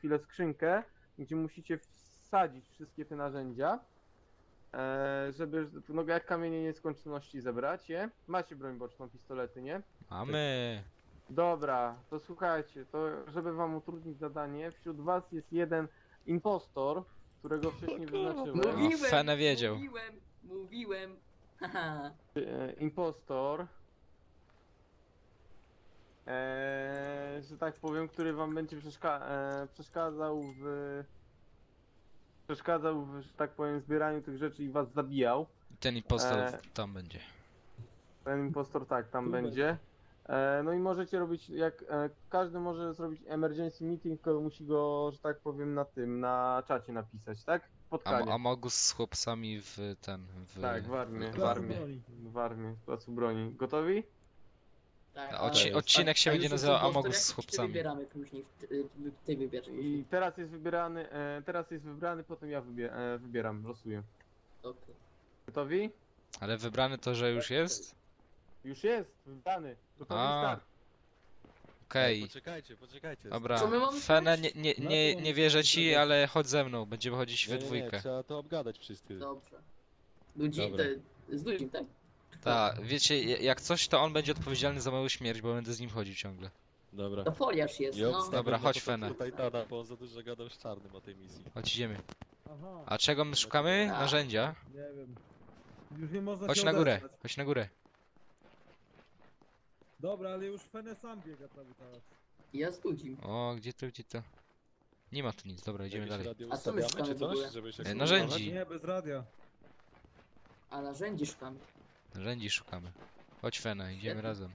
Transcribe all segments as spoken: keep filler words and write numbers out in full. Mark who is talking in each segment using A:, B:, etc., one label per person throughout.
A: chwilę skrzynkę, gdzie musicie wsadzić wszystkie te narzędzia, e, żeby, no jak kamienie nieskończoności zebrać je. Macie broń boczną, pistolety, nie?
B: Mamy.
A: Dobra, to słuchajcie, to żeby wam utrudnić zadanie, wśród was jest jeden impostor, którego wcześniej wyznaczyłem.
B: No,
C: Mówiłem,
B: Fene wiedział.
C: mówiłem, mówiłem. Haha.
A: E, impostor, e, że tak powiem, który wam będzie przeszka e, przeszkadzał w przeszkadzał w, że tak powiem, zbieraniu tych rzeczy i was zabijał.
B: Ten impostor
A: E,
B: tam będzie.
A: Ten impostor tak tam
D: Tu
A: będzie. E, no i możecie robić, jak e, każdy może zrobić emergency meeting, tylko musi go, że tak powiem, na tym, na czacie napisać, tak?
B: A,
A: Spotkanie.
B: a Mogus z chłopcami w ten. W,
A: Tak, w armię.
B: W armię.
A: W armii, w placu broni. Gotowi?
C: Tak,
B: A
C: a-
B: odci-
C: a-
B: odcinek się
C: a
B: będzie
C: już jest
B: nazywał
C: impostor
B: Amogus
C: jakiś,
B: z
C: czy
B: chłopcami.
C: wybieramy później, w- ty, ty wybierz
A: I
C: później.
A: teraz jest wybierany, e, teraz jest wybrany, potem ja wybie e, wybieram, losuję.
C: Okej.
A: Gotowi?
B: Ale wybrany to, że już jest?
A: Już jest, wybrany. Gotowi,
B: A.
A: start.
B: Okej.
E: Poczekajcie, poczekajcie.
B: Dobra.
C: Co my mamy
B: Fene,
C: zrobić?
B: nie, nie,
D: Na co
B: nie,
D: mamy
B: nie wierzę
D: zrobić?
B: ci, ale chodź ze mną. Będziemy chodzić we
E: Nie, nie, nie,
B: dwójkę.
E: trzeba to obgadać wszyscy.
C: Dobrze. Ludzi,
E: Dobra.
C: te, z ludźmi, tak?
B: Tak, wiecie, jak coś, to on będzie odpowiedzialny za moją śmierć, bo będę z nim chodził ciągle.
E: Dobra.
C: To foliarz jest,
E: Nie
C: no.
E: obstawiam
B: Dobra,
E: na
B: chodź,
E: początku
B: Fene.
E: Titana, bo on za dużo gadał z czarnym o tej misji.
B: Chodź, idziemy.
D: Aha,
B: A czego my szukamy?
C: A.
B: Narzędzia.
D: nie wiem. Już nie można
B: Chodź
D: się
B: na górę,
D: odezwać.
B: chodź na górę.
D: Dobra, ale już Fene sam biega cały czas.
C: Ja z ludźmi.
B: O, gdzie to, gdzie to? Nie ma tu nic, dobra, idziemy
E: Jakieś
B: dalej.
E: radio
C: A co my
E: ustawiamy,
C: szukamy
E: czy
C: w ogóle?
E: coś, żeby się
B: E, narzędzi.
D: Nie, bez radia.
C: A narzędzi szukamy.
B: Narzędzi szukamy. Chodź, Fena, idziemy
C: Świetnie.
B: razem.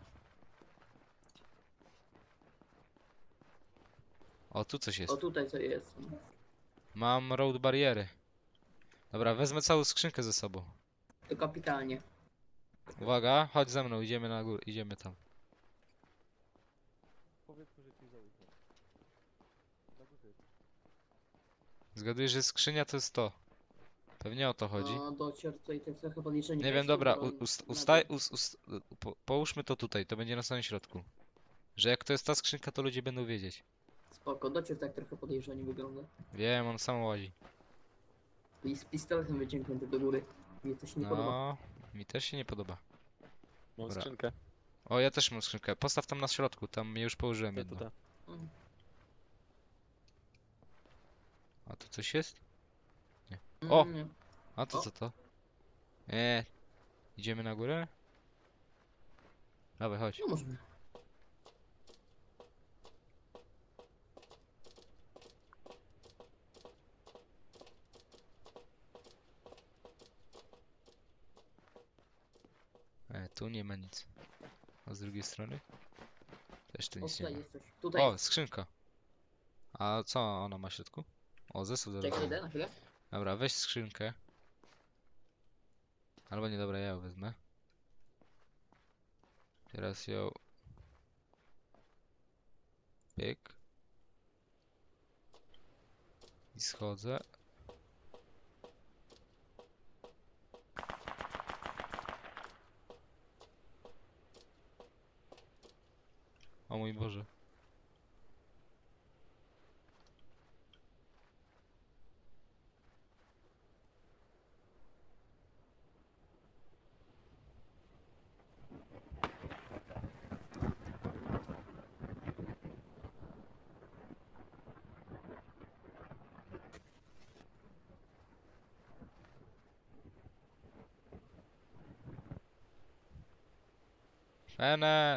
B: O, tu coś jest.
C: O, tutaj co jest.
B: Mam road bariery. Dobra, wezmę całą skrzynkę ze sobą.
C: To kapitalnie.
B: Uwaga, chodź ze mną, idziemy na górę, idziemy tam.
E: Powiedzmy, że ci zaufam.
B: Zgaduję, że skrzynia to jest to. Pewnie o to chodzi.
C: No, docier tutaj tak trochę podejrzenie.
B: Nie wiem, dobra, u- ust, ustaj, us, us, po, połóżmy to tutaj, to będzie na samym środku. Że jak to jest ta skrzynka, to ludzie będą wiedzieć.
C: Spoko, docier tak trochę podejrzanie wygląda.
B: Wiem, on sam łazi.
C: I z pistoletem wyciągnięty do góry. Mnie to się nie podoba.
B: No, mi też się nie podoba.
E: Mam
B: Dobra.
E: skrzynkę.
B: O, ja też mam skrzynkę. Postaw tam na środku, tam już położyłem
E: To,
B: jedno.
E: to, to.
C: Mm.
B: A tu coś jest? O!
C: Mm, nie.
B: A to
C: O.
B: co to? Eee, idziemy na górę? Dawaj, chodź.
C: No możemy.
B: E, tu nie ma nic. A z drugiej strony? Też tu
C: O,
B: nic nie
C: tutaj
B: ma.
C: jest coś. Tutaj
B: O,
C: jest.
B: skrzynka. A co ona ma w środku? O, zestaw do
C: Czekaj,
B: robienia.
C: idę na chwilę.
B: Dobra, weź skrzynkę. Albo nie, dobra, ja ją wezmę. Teraz ją... Pyk. I schodzę. O mój Boże. Fene!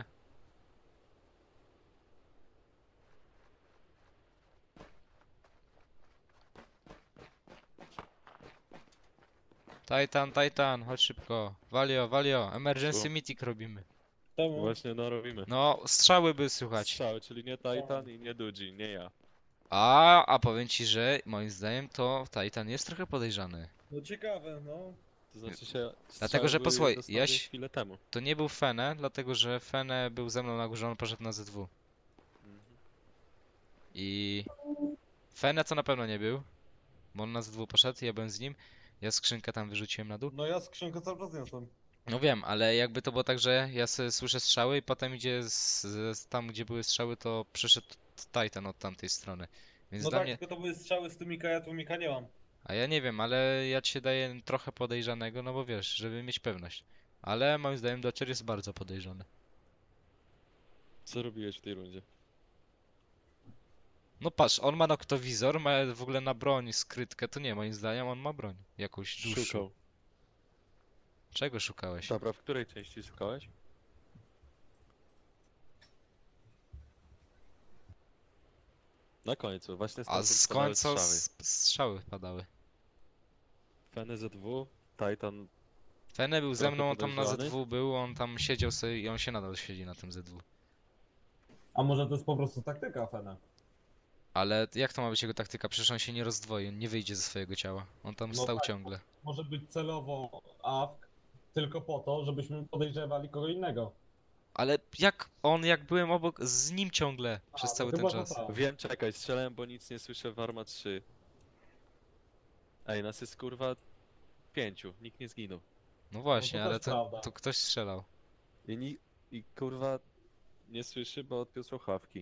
B: Titan, Titan, chodź szybko. Walio, Walio, emergency
E: Co?
B: meeting robimy.
D: Czemu?
E: Właśnie, no robimy.
B: No, strzały by słychać.
E: Strzały, czyli nie Titan i nie Dudzi, nie ja.
B: A, a powiem ci, że moim zdaniem to Titan jest trochę podejrzany.
D: No ciekawe, no.
E: To znaczy się...
B: Dlatego, że
E: strzały
B: posłuchaj,
E: dosłownie
B: Jaś-
E: chwilę temu.
B: To nie był Fene, dlatego że Fene był ze mną na górze, on poszedł na Z W.
E: Mhm.
B: I Fene to na pewno nie był, bo on na Z W poszedł, ja byłem z nim. Ja skrzynkę tam wyrzuciłem na dół.
D: No ja skrzynkę cały czas niosłem.
B: No wiem, ale jakby to było tak, że ja sobie słyszę strzały i potem idzie z, z tam, gdzie były strzały, to przyszedł Titan od tamtej strony. Więc
D: No
B: dla
D: tak,
B: mnie...
D: tylko to były strzały z tłumika, ja tłumika nie mam.
B: A ja nie wiem, ale ja ci daję trochę podejrzanego, no bo wiesz, żeby mieć pewność. Ale moim zdaniem Dodger jest bardzo podejrzany.
E: Co robiłeś w tej rundzie?
B: No patrz, on ma noktowizor, ma w ogóle na broń skrytkę, to nie, moim zdaniem on ma broń. Jakąś dłuższą.
E: Szukał.
B: Czego szukałeś?
E: Dobra, w której części szukałeś? Na końcu, właśnie
B: A
E: stamtąd
B: z
E: padały
B: końca
E: strzały.
B: s- strzały padały.
E: Fene Z W, Titan.
B: Fene był ze
E: Trochę
B: mną, on tam na
E: podejrzany.
B: Z dwa był, on tam siedział sobie i on się nadal siedzi na tym Z dwa.
D: A może to jest po prostu taktyka Fene?
B: Ale jak to ma być jego taktyka? Przecież on się nie rozdwoi, on nie wyjdzie ze swojego ciała. On tam
D: No
B: stał
D: tak.
B: ciągle.
D: Może być celowo A F K tylko po to, żebyśmy podejrzewali kogo innego.
B: Ale jak on, jak byłem obok, z nim ciągle przez
D: A,
B: cały
D: to
B: ten
D: chyba
B: czas.
D: to tak.
E: Wiem, czekaj, strzelałem, bo nic nie słyszę w Arma trzy. Ej, nas jest kurwa pięciu, nikt nie zginął.
B: No właśnie,
D: to
B: ale
D: też
B: to,
D: prawda.
B: to ktoś strzelał.
E: I, ni I kurwa nie słyszy, bo odpiął słuchawki.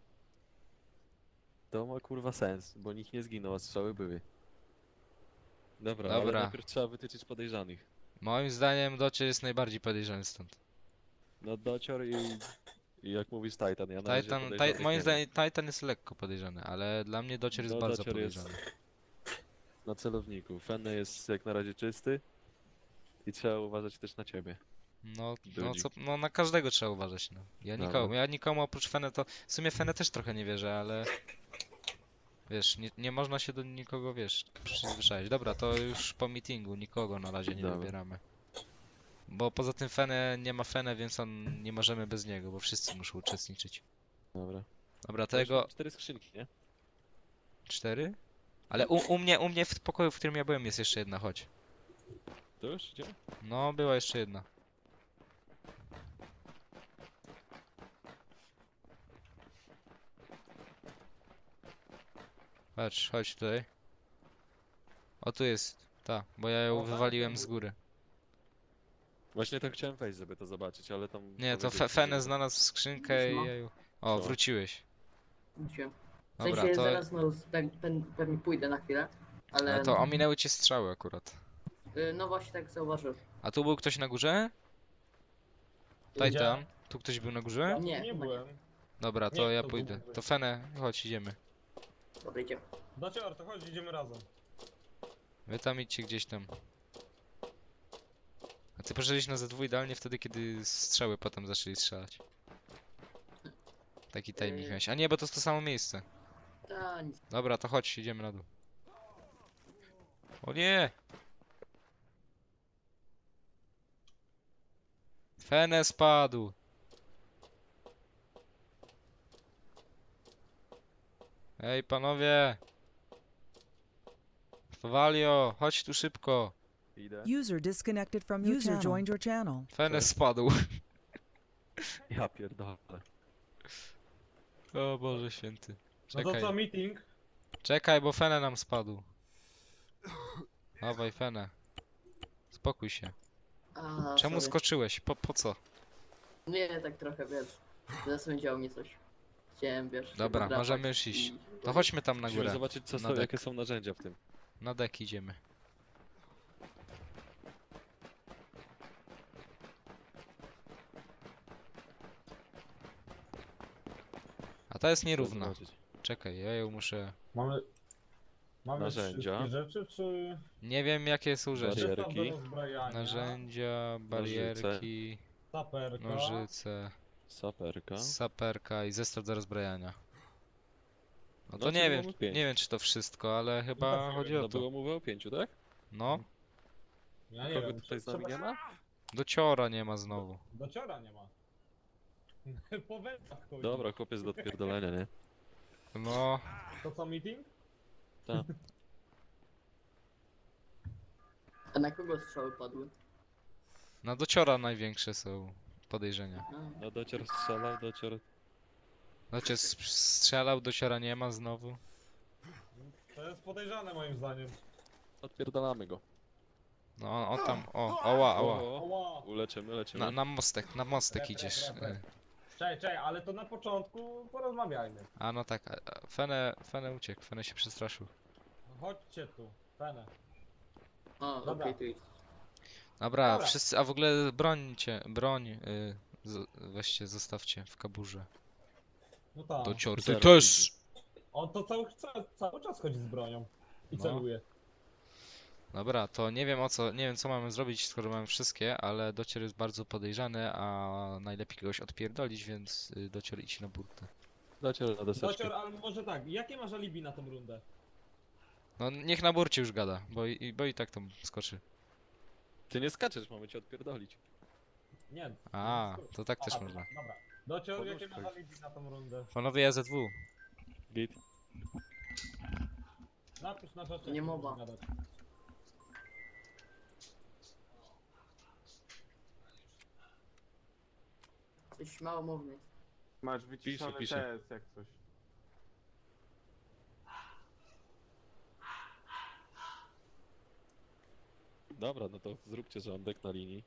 E: To ma kurwa sens, bo nikt nie zginął, a strzały były. Dobra, ale
B: Dobra.
E: najpierw trzeba wytyczyć podejrzanych.
B: Moim zdaniem Dodger jest najbardziej podejrzany stąd.
E: No Docior i, i jak mówisz Titan, ja na razie
B: Titan,
E: podejrzanych
B: taj,
E: nie
B: moim
E: mam.
B: zdaniem Titan jest lekko podejrzany, ale dla mnie Dodger jest
E: No,
B: bardzo
E: Docior jest-
B: podejrzany.
E: Na celowniku. Fenne jest jak na razie czysty. I trzeba uważać też na ciebie.
B: No, no,
E: Dudzik.
B: co, no na każdego trzeba uważać, no. Ja
E: Dobra.
B: nikomu, ja nikomu oprócz Fene to... W sumie Fene też trochę nie wierzę, ale... Wiesz, nie, nie można się do nikogo, wiesz, przyzwyczaić. Dobra, to już po meetingu, nikogo na razie nie
E: Dobra.
B: wybieramy. Bo poza tym Fene, nie ma Fene, więc on nie możemy bez niego, bo wszyscy muszą uczestniczyć.
E: Dobra.
B: Dobra,
E: To już
B: tego...
E: mam cztery skrzynki, nie?
B: Cztery? Ale u, u mnie, u mnie w pokoju, w którym ja byłem jest jeszcze jedna, chodź.
E: To już idziemy?
B: No, była jeszcze jedna. Patrz, chodź tutaj. O, tu jest. Ta, bo ja ją
D: O, tak?
B: wywaliłem z góry.
E: Właśnie tak chciałem wejść, żeby to zobaczyć, ale tam...
B: Nie, to
E: powiedzieliśmy,
B: fe Fene
E: że-
B: znalazł skrzynkę i
C: Siema.
B: ja ją... O,
E: Co?
B: wróciłeś.
C: Wróciłem. W
B: Dobra,
C: sensie
B: to...
C: zaraz no, pe, pe, pewnie pójdę na chwilę, ale
B: Ale to ominęły cię strzały akurat.
C: y, no właśnie tak zauważyłem.
B: A tu był ktoś na górze? Titan? Tu ktoś był na górze?
C: Nie,
D: nie
C: chyba nie.
D: byłem.
B: Dobra, to
D: Nie,
B: ja
D: to
B: pójdę.
D: był-
B: To Fene, chodź, idziemy.
C: Dobra, idziemy.
D: Docior, to chodź, idziemy razem.
B: Wy tam idźcie gdzieś tam. A ty poszedłeś na Z dwa idealnie wtedy, kiedy strzały potem zaczęli strzelać. Taki timing
C: Yy.
B: miałeś. A nie, bo to jest to samo miejsce.
C: Ta, nic.
B: Dobra, to chodź, idziemy na dół. O nie! Fene spadł! Ej, panowie! Fawalio, chodź tu szybko!
E: Idę.
F: User disconnected from your User joined your channel.
B: Fene
E: Cześć.
B: spadł.
E: Ja pierdolę.
B: O Boże święty.
D: No to co,
B: Czekaj,
D: meeting?
B: czekaj, bo Fene nam spadł. Dawaj, Fene. Spokój się.
C: A,
B: Czemu
C: sorry.
B: skoczyłeś? Po, po co?
C: Nie, tak trochę, wiesz. Zasądziało mnie coś. Chciałem, wiesz... się
B: Dobra,
C: podrapać
B: możemy już iść.
C: i-
B: To chodźmy tam na
E: Musimy
B: górę.
E: zobaczyć, co
B: Na
E: są,
B: dek.
E: jakie są narzędzia w tym.
B: Na dek idziemy. A ta jest
E: Trzeba
B: nierówna.
E: zobaczyć.
B: Czekaj, ja ją muszę...
D: Mamy... Mamy
E: Narzędzia.
D: wszystkie rzeczy, czy...
B: Nie wiem jakie są rzeczy.
E: Barierki.
D: Zestaw do rozbrajania,
B: Narzędzia, barierki,
D: Saperka.
B: nożyce,
E: Saperka.
B: saperka i zestaw do rozbrajania. No to
E: No, czyli
B: nie wiem,
E: mamy pięć.
B: nie wiem czy to wszystko, ale chyba
D: tak,
B: chodzi
E: No
B: o to.
E: było mowy o pięciu, tak?
B: No,
D: Ja nie
E: Kogo
D: wiem,
E: tutaj z
D: trzeba-
E: nami nie ma?
B: dociora nie ma znowu.
D: Dociora nie ma. Po wędkach chodzi.
E: Dobra, chłopiec do odpierdolenia, nie?
B: No,
D: To co, meeting?
C: A na kogo strzały padły?
B: na dociora największe są podejrzenia.
C: A,
E: No docior strzelał, docior...
B: Znaczy s- strzelał, dociora nie ma znowu.
D: To jest podejrzane moim zdaniem.
E: Odpierdalamy go.
B: No, o tam, o, oła, oła.
E: O,
D: Oła!
E: uleczymy, leczymy.
B: Na, na mostek, na mostek
D: Rep, rep,
B: idziesz.
D: rep, rep.
B: y.
D: Czekaj, czekaj, ale to na początku porozmawiajmy.
B: A no tak, a, a Fene, Fene uciekł, Fene się przestraszył.
D: No chodźcie tu, Fene.
C: A, okej,
D: Dobra.
C: tu jest.
B: Dobra,
D: Dobra.
B: wszyscy, a w ogóle brońcie, broń, y, z, weźcie, zostawcie w kaburze.
D: No tak.
B: Do cior, ty
E: Zero
B: też!
D: On to cały, cały, cały czas chodzi z bronią. I
B: No.
D: celuje.
B: Dobra, to nie wiem o co, nie wiem co mamy zrobić, skoro mamy wszystkie, ale docier jest bardzo podejrzany, a najlepiej kogoś odpierdolić, więc y, docier idź na burtę.
E: Docier na deseczkę.
D: Docior, ale może tak, jakie masz alibi na tą rundę?
B: No niech na burcie już gada, bo i, bo i tak tam skoczy.
E: Ty nie skaczesz, mamy cię odpierdolić.
D: Nie.
B: A,
D: nie,
B: to tak też
D: Aha,
B: można.
D: Dobra. Docior,
E: Pomóż
D: jakie masz
E: ktoś.
D: alibi na tą rundę?
B: Panowie A Z W.
E: Git.
D: Napisz na rzeczy.
C: Nie mowa. Coś małomówny.
A: Masz wyciszony
E: Pisze, pisze.
A: T S jak coś.
E: Dobra, no to zróbcie rządek na linii.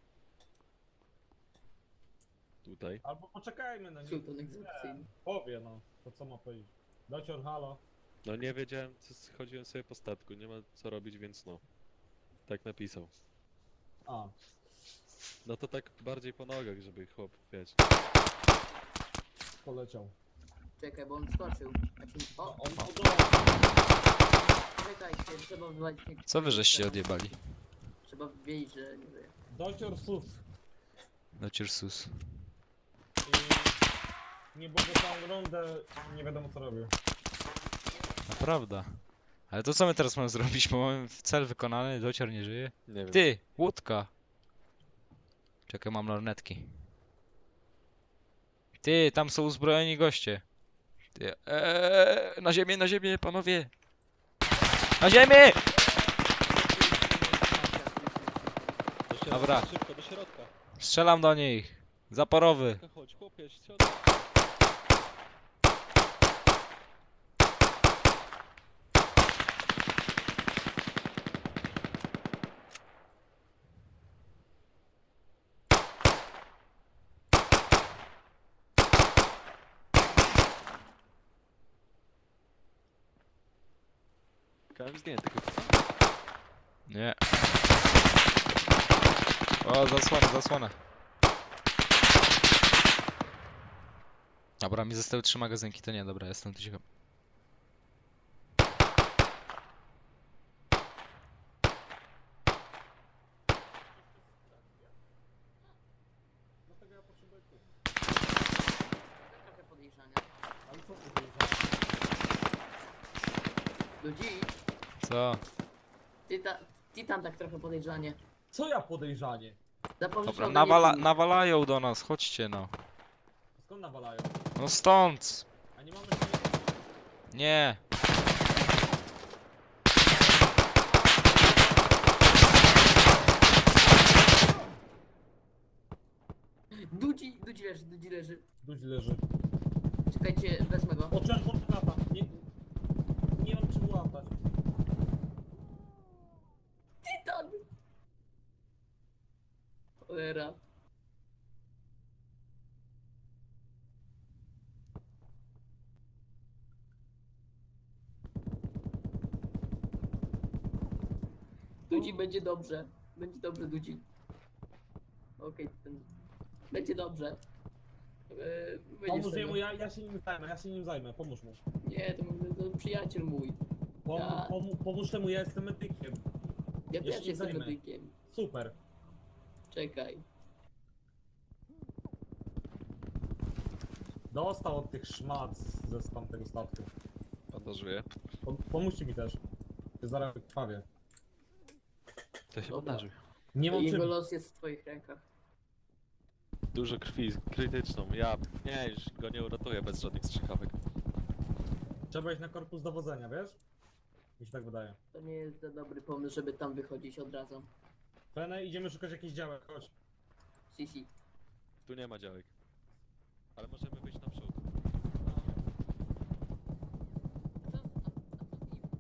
E: Tutaj.
D: Albo poczekajmy na nie.
C: Sultan egzekucyjny.
D: Powie no, to co ma powiedzieć. Docior, halo.
E: No nie wiedziałem, co schodziłem sobie po statku, nie ma co robić, więc no. Tak napisał.
D: A,
E: No to tak bardziej po nogach, żeby chłop, wiecie.
D: poleciał.
C: Czekaj, bo on skoczył. Znaczy,
D: No,
C: o,
D: on odolał.
C: czekajcie, trzeba wywalić... nie-
B: Co wy żeście odjebali?
C: Trzeba wiedzieć, że nie wiem.
D: Docior sus.
B: Docier sus.
D: I nie będę całą rundę, nie wiadomo co robił.
B: Naprawdę. Ale to co my teraz mamy zrobić, bo mamy cel wykonany, docier nie żyje.
E: Nie wiem.
B: Ty, łódka. Czekaj, mam lornetki. Ty, tam są uzbrojeni goście. Ty, eee, na ziemię, na ziemię, panowie. Na ziemię!
E: Do środka,
B: Dobra.
E: Szybko, do środka.
B: Strzelam do nich. Zaporowy.
E: Chodź, chłopie, środek. Kałem zdjęty chyba.
B: Nie. O, zasłonę, zasłonę. Dobra, mi zostały trzy magazynki, to nie, dobra, jestem tu ciekaw.
D: Dlatego ja potrzebuję tu.
C: Trochę podejrzania.
D: Ale co ty powiedziałeś?
C: Ludzi,
B: Co?
C: ty, ta, ty tam tak trochę podejrzanie.
D: Co ja podejrzanie?
C: Zapomnisz
B: Dobra,
C: o
B: nawala
C: Venecji.
B: nawalają do nas, chodźcie no.
D: Skąd nawalają?
B: No stąd!
D: A nie mamy się...
B: Nie!
C: Dudzi, Dudzi leży, Dudzi leży.
D: Dudź leży.
C: Czekajcie, wezmę go.
D: O, czerwony lata. Nie... Nie mam czym łapać.
C: Titan! Cholera. Dudzi, będzie dobrze. Będzie dobrze, Dudzi. Okej, ten... Będzie dobrze. Eee, będzie
D: Pomóż
C: sobie.
D: jemu, ja, ja się nim zajmę, ja się nim zajmę, pomóż mu.
C: Nie, to, to przyjaciel mój.
D: Pom,
C: Ja-
D: pom, pomóż temu, ja jestem medykiem.
C: Ja
D: Ja się
C: też
D: nim
C: jestem
D: zajmę.
C: medykiem.
D: Super.
C: Czekaj.
D: Dostał od tych szmat ze z tamtego statku.
E: Bandażuję.
D: Pom, pomóżcie mi też. Się zaraz krwawie.
E: To się
C: Dobra.
E: bandażuj.
D: Nie mam
C: Jego
D: czym.
C: los jest w twoich rękach.
E: Dużo krwi, krytyczną. Ja, nie, już go nie uratuję bez żadnych strzykawek.
D: Trzeba iść na korpus dowodzenia, wiesz? Mi się tak wydaje.
C: To nie jest za dobry pomysł, żeby tam wychodzić od razu.
D: Fene, idziemy szukać jakichś działek, chodź.
C: Sisi.
E: Tu nie ma działek. Ale możemy wyjść naprzód.
C: A co, a, a co z nim?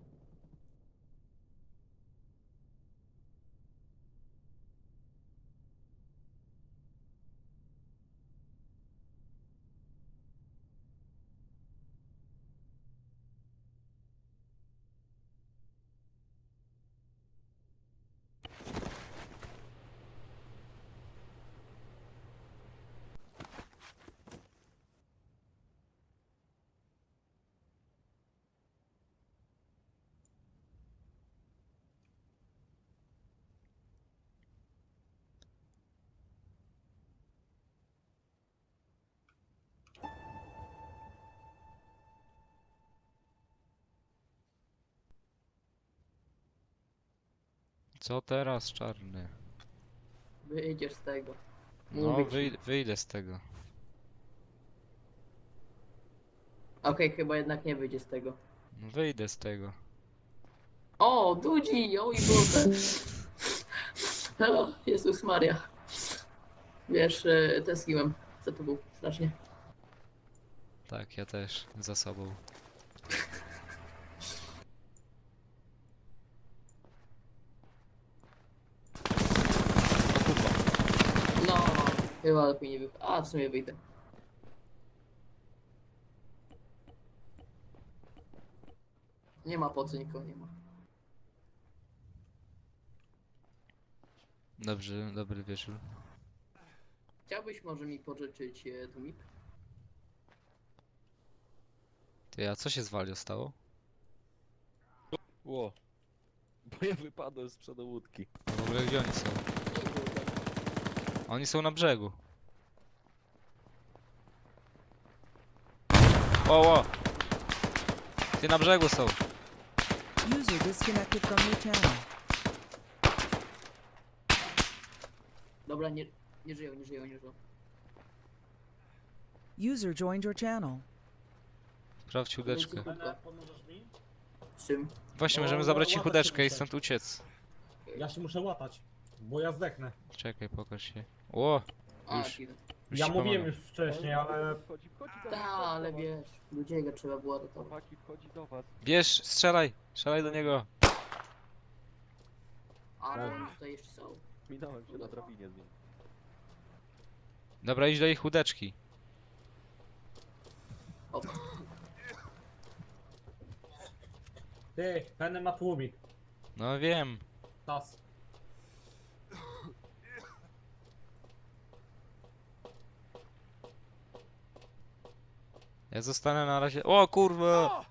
B: Co teraz, czarny?
C: Wyjdziesz z tego.
B: No,
C: Mówię ci.
B: wyj wyjdę z tego.
C: Okej, chyba jednak nie wyjdzie z tego.
B: No, wyjdę z tego.
C: O, Dudzi! Oj Boże! O, Jezus Maria. Wiesz, e, tęskniłem za tobą strasznie.
B: Tak, ja też. Za sobą.
C: No, chyba lepiej nie wyjdę. A, w sumie wyjdę. Nie ma po co, nikogo nie ma.
B: Dobrze, dobry wieczór.
C: Chciałbyś może mi pożyczyć e, tłumik?
B: Ty, a co się z Walio stało?
E: Ło. Bo ja wypadłem z przodu łódki.
B: W ogóle gdzie oni są?
C: Nie było tak.
B: Oni są na brzegu. O, o! Ty na brzegu są.
F: User disconnected from your channel.
C: Dobra, nie, nie żyją, nie żyją, nie żyją.
F: User joined your channel.
B: Sprawdź chudeczkę.
D: Fene, pomożesz mi?
C: Z czym?
B: Właśnie,
D: No,
B: możemy zabrać ci
D: łapać się
B: chudeczkę i
D: muszę.
B: stąd uciec.
D: Ja się muszę łatać, bo ja zdechnę.
B: Czekaj, pokaż się. O!
C: A,
B: Już.
C: chwilę.
B: Już
D: Ja
B: ci
D: mówiłem
B: pomagam.
D: już wcześniej, ale
E: Wchodzi, wchodzi do
C: Ta,
E: was,
C: ale
E: wchodzi do was.
C: wiesz, ludziego trzeba było ratować.
E: Chłopaki, wchodzi do was.
B: Bierz, strzelaj! Strzelaj do niego!
C: Ale oni tutaj jeszcze są.
E: Minąłem się na drabinie z nim.
B: Dobra, idź do ich chudeczki.
C: O,
D: ty, Fene ma tłumik.
B: No wiem.
D: Tas.
B: Ja zostanę na razie. O kurwa!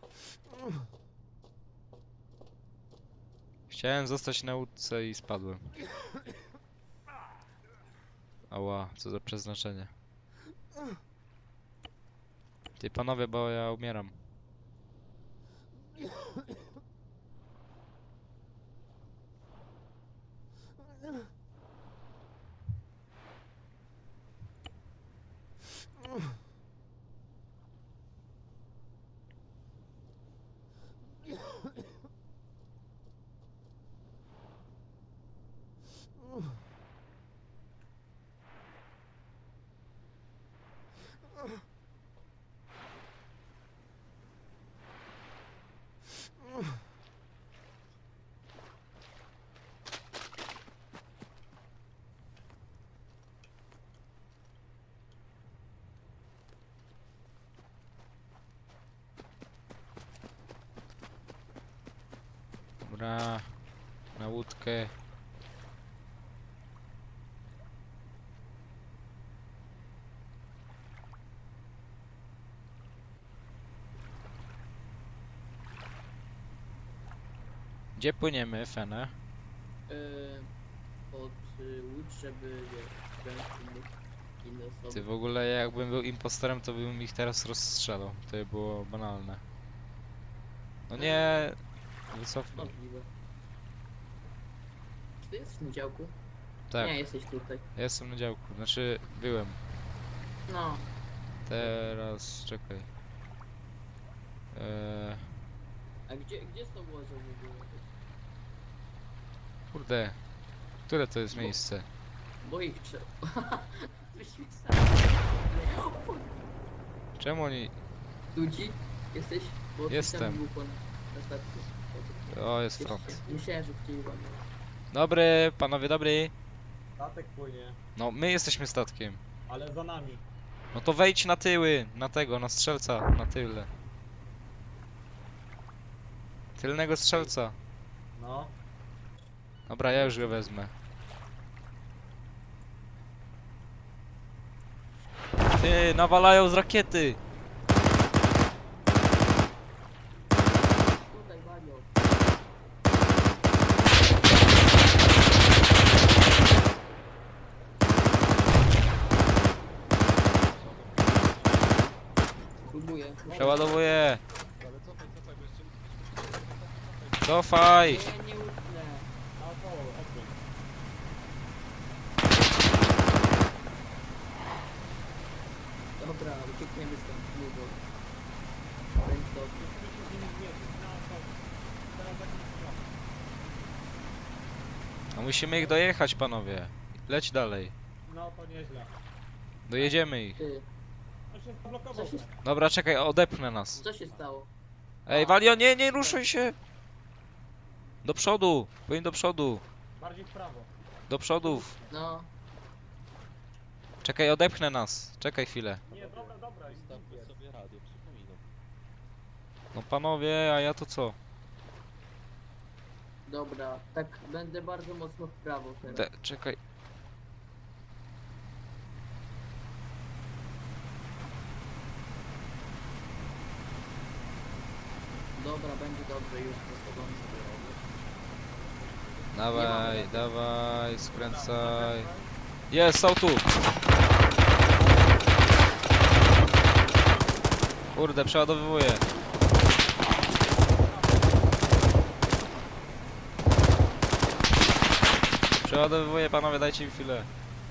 B: Chciałem zostać na łódce i spadłem. Ała, co za przeznaczenie. Ty panowie, bo ja umieram. Dobra, na łódkę. Gdzie płyniemy, Fene?
C: yy, pod y, łódź, żeby wiesz, wziąć innych, inne osoby.
B: Ty w ogóle jakbym był impostorem, to bym ich teraz rozstrzelał. To by było banalne. No nie, wycofnij.
C: Możliwe. Czy ty jesteś na działku?
B: Tak,
C: Nie, jesteś tutaj.
B: ja jestem na działku. Znaczy, byłem.
C: No,
B: Teraz, czekaj. Eee,
C: a gdzie, gdzie z tą łodzią w ogóle?
B: kurde. Które to jest
C: Bo-
B: miejsce?
C: Bo ich trzeba. Wyświecamy.
B: Czemu oni...
C: Dudzi? Jesteś? Bo coś
B: Jestem.
C: tam był po na statku.
B: O, jest
C: Jeszcze-
B: front.
C: Myślałem, że w ciebie mam.
B: Dobry, panowie, dobry.
D: Statek płynie,
B: No, my jesteśmy statkiem.
D: ale za nami.
B: No to wejdź na tyły, na tego, na strzelca, na tyle. Tylnego strzelca.
D: No.
B: Dobra, ja już go wezmę. Ty, nawalają z rakiety!
C: Tutaj walią. Próbuję.
B: Przeładowuję!
E: Ale cofaj, cofaj, bo jeszcze...
B: Cofaj!
C: Nie, nie utnę.
D: Naokoło,
C: uciekniemy stąd, długo. Będzie dobrze.
B: A musimy ich dojechać, panowie. Leć dalej.
D: No to nieźle.
B: Dojedziemy ich.
C: Ty,
D: On się zablokował.
C: co się,
B: Dobra, czekaj, odepchnę nas.
C: co się stało?
B: Ej, Walio, nie, nie ruszaj się! Do przodu! Powinien do przodu!
D: Bardziej w prawo.
B: Do przodów!
C: No,
B: Czekaj, odepchnę nas. Czekaj chwilę.
D: Nie, dobra, dobra.
E: Stawmy sobie radio, przypominam.
B: No panowie, a ja to co?
C: dobra, tak będę bardzo mocno w prawo teraz.
B: De czekaj.
C: Dobra, będzie dobrze już po tobą.
B: Dawaj, dawaj, skręcaj. Jest, są tu! Kurde, przeładowywuję. Przeładowywuję, panowie, dajcie mi chwilę.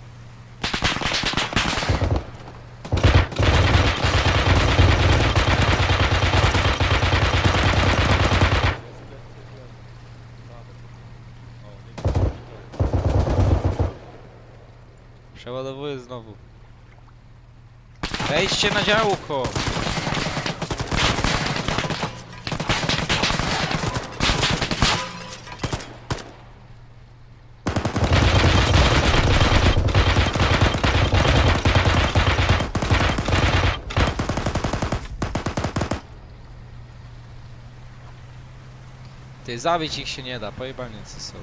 B: Przeładowuję znowu. Wejdźcie na działko! Ty, zabić ich się nie da, pojebanie co są.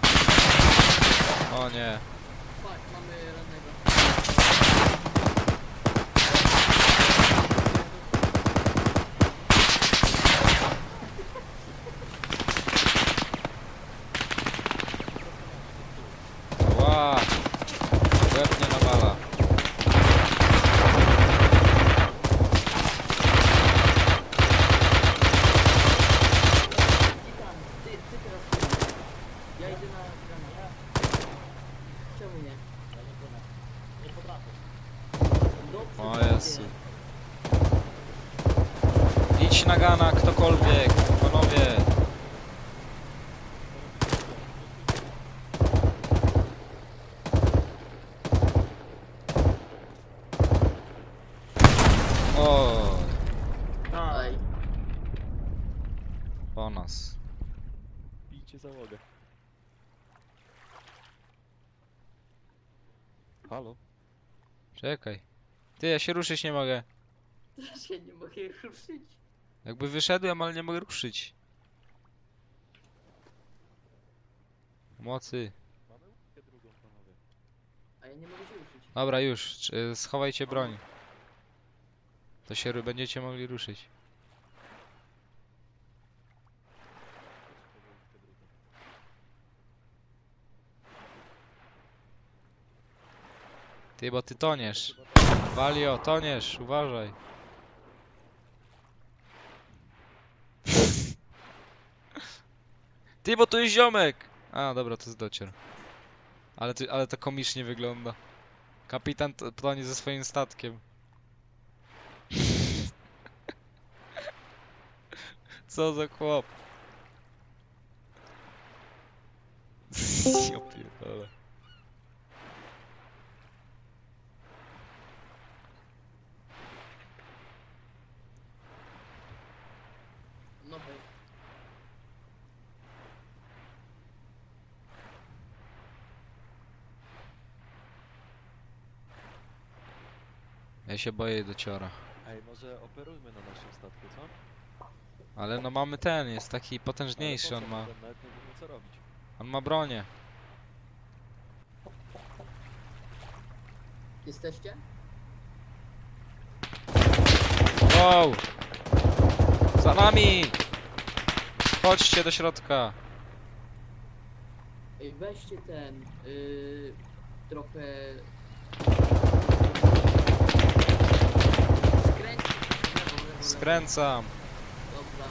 B: O nie.
C: Fuck, mamy rannego.
B: Ła! Łeb nie nawala.
C: Titan, ty, ty teraz płynę. Ja idę na granat. Czemu nie?
D: Ja nie płynę. Nie potrafię.
C: Dobrze,
B: O
C: będzie.
B: Jezu. Idź na gana, ktokolwiek, panowie. O,
C: Aj,
B: po nas.
E: Bijcie załogę. Halo?
B: Czekaj. Ty, ja się ruszyć nie mogę.
C: teraz się nie mogę ruszyć.
B: Jakby wyszedłem, ale nie mogę ruszyć. Mocy.
E: Mamy łódkę drugą, panowie.
C: A ja nie mogę się ruszyć.
B: Dobra, już. Czy- Schowajcie broń. To się ru- będziecie mogli ruszyć. Ty, bo ty toniesz. Walio, toniesz, uważaj. Ty, bo tu jest ziomek! A, dobra, to jest docier. Ale, ty, ale to komicznie wygląda. Kapitan to- tonie ze swoim statkiem. Co za chłop. Ja pierdolę.
C: No hej.
B: Ja się boję dociora.
E: Ej, może operujmy na naszym statku, co?
B: Ale no mamy ten, jest taki
E: Ale
B: potężniejszy,
E: po
B: on
E: co?
B: ma.
E: Ten Nawet nie wiemy co robić.
B: On ma bronię.
C: Jesteście?
B: Wow! Za nami! Chodźcie do środka.
C: Ej, weźcie ten, yy, trochę... Skręć... Lewo, lewo, lewo.
B: Skręcam.
C: Dobra.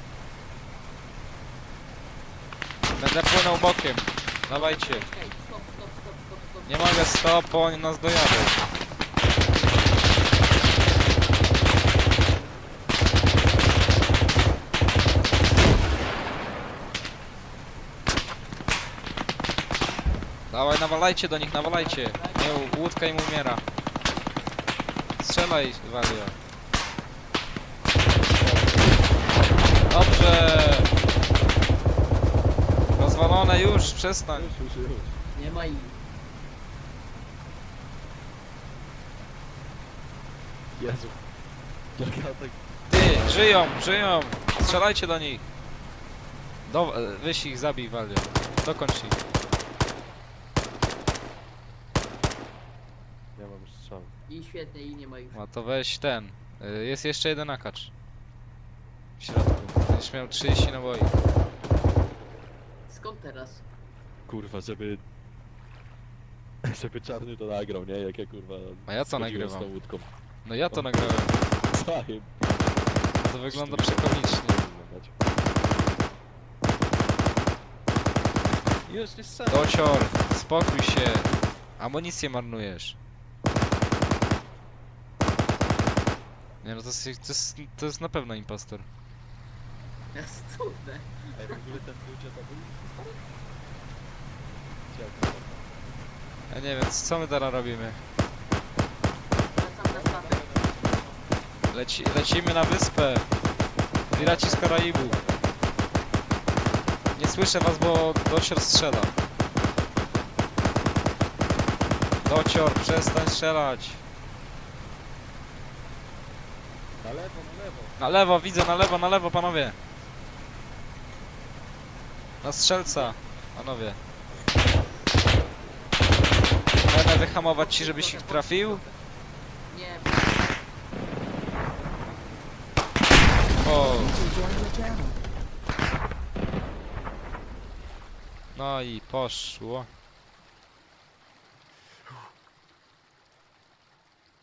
B: Będę płynął bokiem. Dawajcie.
C: Ej, stop, stop, stop, stop, stop.
B: Nie mogę stop, oni nas dojadą. Dawaj, nawalajcie do nich, nawalajcie. Nie, łódka im umiera. Strzelaj, Walio. Dobrze. Rozwalone już, przestań.
E: Już, już, już.
C: Nie ma ich.
E: Jezu. Jak ja tak...
B: Ty, żyją, żyją. Strzelajcie do nich. Do, weź ich, zabij, Walio. Dokończ ich.
E: Ja mam już strzał.
C: I świetnie, i nie ma ich.
B: No to weź ten. Y, Jest jeszcze jeden akacz. W środku. Będziesz miał trzydzieści naboi.
C: Skąd teraz?
E: Kurwa, żeby... Żeby czarny to nagrał, nie? Jak ja kurwa...
B: A ja co
E: schodziłem
B: nagrywam?
E: z tą łódką.
B: No ja to nagrałem.
E: Zajeb.
B: To wygląda przekomicznie.
E: Już nie strzelam.
B: Docior, spokój się. Amunicję marnujesz. Nie no, to jest, to jest, to jest na pewno impostor.
C: Jasne.
E: Ej, w ogóle ten ludzie to był? Ciekawe.
B: Ja nie wiem, co my teraz robimy?
C: Wracam na statek.
B: Leci, lecimy na wyspę. Piraci z Karaibu. Nie słyszę was, bo Docior strzela. Docior, przestań strzelać.
E: Na lewo, na lewo.
B: Na lewo, widzę, na lewo, na lewo, panowie. Na strzelca, panowie. Będę wyhamować ci, żebyś ich trafił.
C: Nie,
B: O,
F: User joined your channel.
B: no i poszło.